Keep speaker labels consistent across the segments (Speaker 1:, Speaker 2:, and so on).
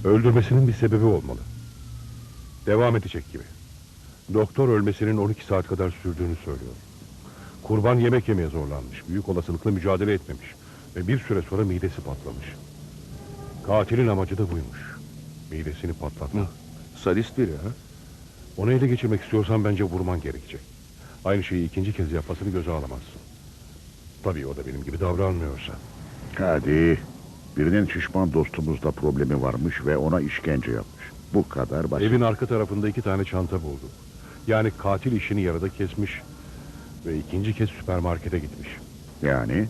Speaker 1: Öldürmesinin bir sebebi olmalı. Devam edecek gibi. Doktor ölmesinin 12 saat kadar sürdüğünü söylüyor. Kurban yemek yemeye zorlanmış. Büyük olasılıkla mücadele etmemiş. Ve bir süre sonra midesi patlamış. Katilin amacı da buymuş. Midesini patlatmak.
Speaker 2: Sadist biri ha?
Speaker 1: Onu ele geçirmek istiyorsan bence vurman gerekecek. Aynı şeyi ikinci kez yapmasını göze alamazsın. Tabii o da benim gibi davranmıyorsa.
Speaker 3: Hadi. Birinin şişman dostumuzda problemi varmış ve ona işkence yapmış. Bu kadar basit.
Speaker 1: Evin arka tarafında 2 tane çanta bulduk. Yani katil işini yarıda kesmiş ve ikinci kez süpermarkete gitmiş.
Speaker 3: Yani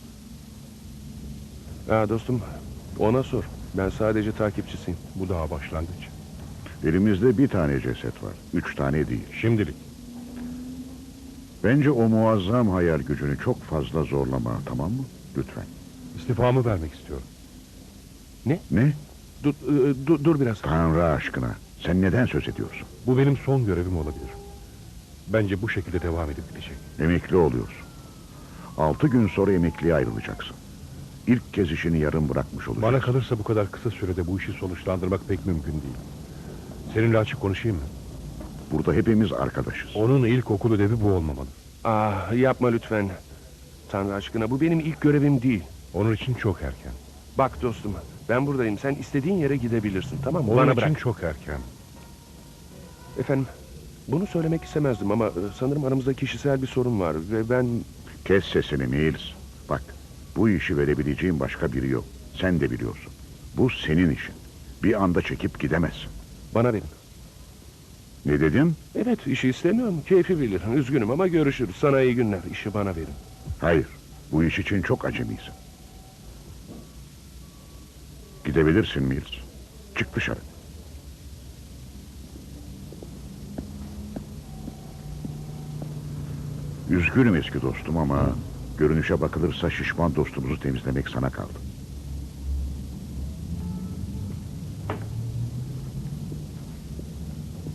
Speaker 2: Ha dostum, ona sor. Ben sadece takipçisiyim.
Speaker 1: Bu daha başlangıç.
Speaker 3: elimizde bir tane ceset var. 3 tane değil.
Speaker 1: Şimdilik.
Speaker 3: Bence o muazzam hayal gücünü çok fazla zorlama, tamam mı? Lütfen.
Speaker 1: İstifamı vermek istiyorum.
Speaker 3: Ne?
Speaker 2: Dur biraz.
Speaker 3: Tanrı aşkına. Sen neden söz ediyorsun?
Speaker 1: Bu benim son görevim olabilir. Bence bu şekilde devam edip gidecek.
Speaker 3: Emekli oluyorsun. 6 gün sonra emekliye ayrılacaksın. İlk kez işini yarım bırakmış olacaksın.
Speaker 1: Bana kalırsa bu kadar kısa sürede bu işi sonuçlandırmak pek mümkün değil. Seninle açık konuşayım mı?
Speaker 3: Burada hepimiz arkadaşız.
Speaker 1: Onun ilkokul ödevi bu olmamalı.
Speaker 2: Ah, yapma lütfen. Tanrı aşkına, bu benim ilk görevim değil.
Speaker 1: Onun için çok erken.
Speaker 2: Bak dostum, ben buradayım. Sen istediğin yere gidebilirsin, tamam mı?
Speaker 1: Onun
Speaker 2: Bana
Speaker 1: için
Speaker 2: bırak.
Speaker 1: çok erken.
Speaker 2: Efendim, bunu söylemek istemezdim ama sanırım aramızda kişisel bir sorun var ve ben...
Speaker 3: Kes sesini Mills. Bak, bu işi verebileceğim başka biri yok. Sen de biliyorsun. Bu senin işin. Bir anda çekip gidemezsin.
Speaker 2: Bana verin.
Speaker 3: Ne dedin?
Speaker 2: Evet, işi istemiyorum. Keyfi bilir. Üzgünüm ama görüşürüz. Sana iyi günler. İşi bana verin.
Speaker 3: Hayır, bu iş için çok acemisin. Gidebilirsin Mills. Çık dışarı. Üzgünüm eski dostum ama görünüşe bakılırsa şişman dostumuzu temizlemek sana kaldı.